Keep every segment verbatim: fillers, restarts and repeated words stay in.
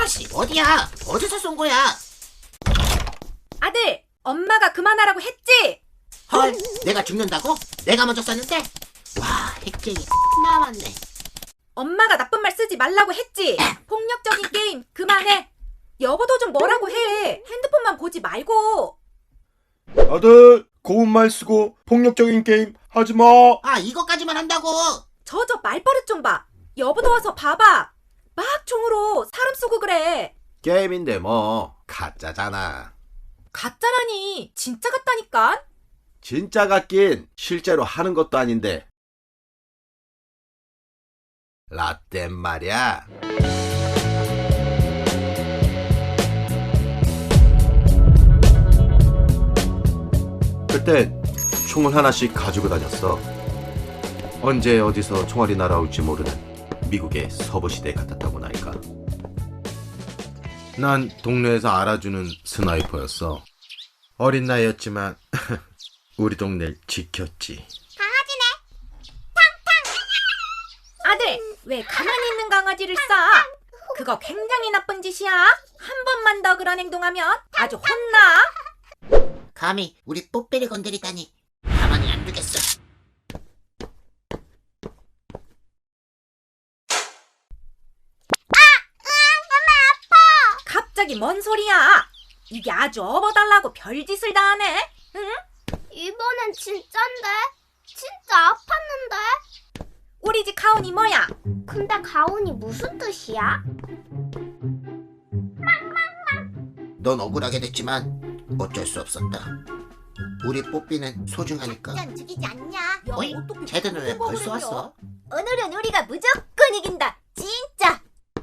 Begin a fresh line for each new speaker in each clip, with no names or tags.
아씨, 어디야? 어디서 쏜 거야?
아들, 엄마가 그만하라고 했지?
헐, 내가 죽는다고? 내가 먼저 쐈는데? 와, 핵쟁이 나왔네.
엄마가 나쁜 말 쓰지 말라고 했지? 폭력적인 게임 그만해. 여보도 좀 뭐라고 해. 핸드폰만 보지 말고.
아들, 고운 말 쓰고 폭력적인 게임 하지 마.
아, 이거까지만 한다고?
저 저 말버릇 좀 봐. 여보도 와서 봐봐. 막 총으로 사람 쏘고 그래.
게임인데 뭐 가짜잖아.
가짜라니 진짜 같다니까.
진짜 같긴 실제로 하는 것도 아닌데. 라떼 말이야. 그땐 총을 하나씩 가지고 다녔어. 언제 어디서 총알이 날아올지 모르는 미국의 서부시대 같았다고 나니까. 난 동네에서 알아주는 스나이퍼였어. 어린 나이였지만 우리 동네를 지켰지.
아들, 왜 가만히 있는 강아지를 쏴? 그거 굉장히 나쁜 짓이야. 한 번만 더 그런 행동하면 아주 혼나.
감히 우리 뽀삐를 건드리다니 가만히 안 두겠어.
갑자기 뭔 소리야? 이게 아주 업어달라고 별짓을 다 하네. 응?
이번엔 진짠데? 진짜 아팠는데?
우리 집 가온이 뭐야?
근데 가온이 무슨 뜻이야?
넌 억울하게 됐지만 어쩔 수 없었다. 우리 뽀삐는 소중하니까.
죽이지 않냐?
어이? 쟤들은 왜 벌써 왔어?
오늘은 우리가 무조건 이긴다. 진짜.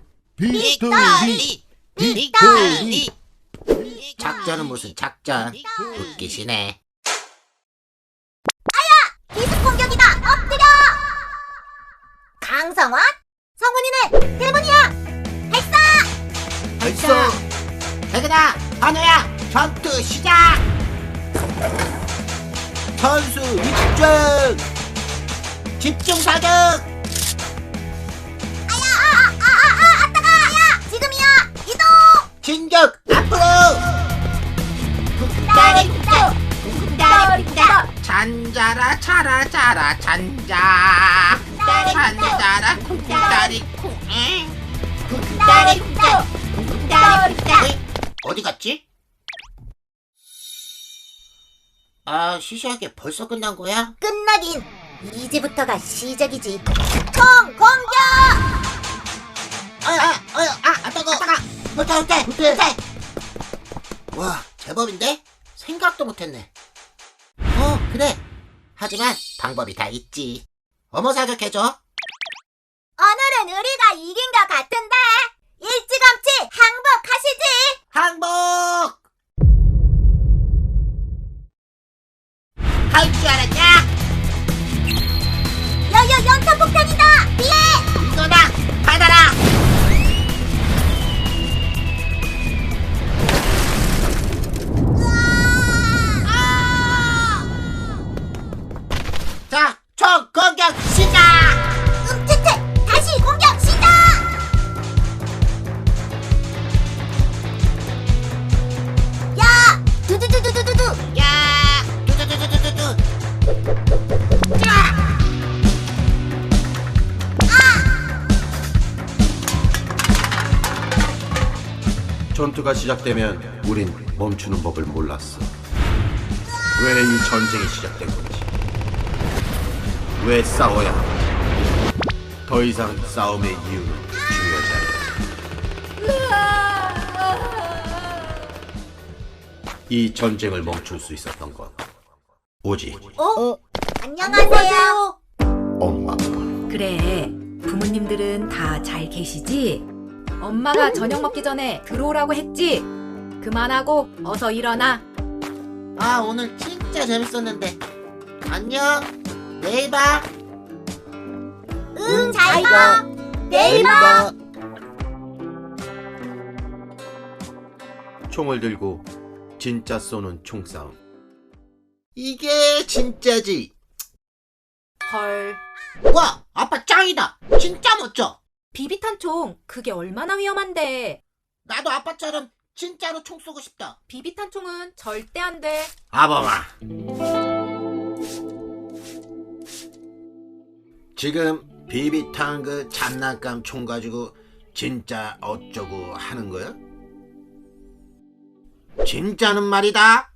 빅토리! 빅토리! 작전은 무슨 작전? 웃기시네.
기습 공격이다. 엎드려. 강성원, 성훈이는 대본이야. 발사.
벌써! 대근아! 한우야! 전투 시작! 선수 입중! 집중 사격!
아아아아 아따가. 야, 지금이야. 이동.
진격! 앞으로! 국다리 국다! 국다리 국다! 잔자라 자라 자라 잔자! 잔자라 국다리 국! 국다리 국다! 국다리 국다! 어디 갔지? 아, 시시하게 벌써 끝난 거야?
끝나긴. 이제부터가 시작이지. 총 공격.
아, 아, 아, 아, 아, 따가, 따가, 못해, 못해, 못해. 와, 제법인데? 생각도 못했네. 어, 그래. 하지만 방법이 다 있지. 어머 사격해줘.
오늘은 우리가 이긴 것 같은데. 일찌감치 항복하시지.
항복! 할 줄 알았냐?
여여 연탄 폭탄이다. 피해.
이거다! 받아라! 자, 총 공격 시작!
음치트 다시 공격 시작. 야, 두두두두두두두.
야! 두두두두두두! 자!
전투가 시작되면 우린 멈추는 법을 몰랐어. 왜 이 전쟁이 시작된 건지, 왜 싸워야 하는지, 더 이상 싸움의 이유는 중요하지 않아. 이 전쟁을 멈출 수 있었던 건 오직
어? 안녕하세요.
엄마뿐.
그래, 부모님들은 다 잘 계시지? 엄마가 저녁 먹기 전에 들어오라고 했지? 그만하고 어서 일어나.
아, 오늘 진짜 재밌었는데. 안녕. 내일 봐.
응, 잘 봐. 내일 봐.
총을 들고 진짜 쏘는 총싸움.
이게 진짜지.
헐,
와, 아빠 짱이다. 진짜 멋져.
비비탄 총 그게 얼마나 위험한데.
나도 아빠처럼 진짜로 총 쏘고 싶다.
비비탄 총은 절대 안 돼.
아범아, 지금 비비탄 그 장난감 총 가지고 진짜 어쩌고 하는 거야? 진짜는 말이다.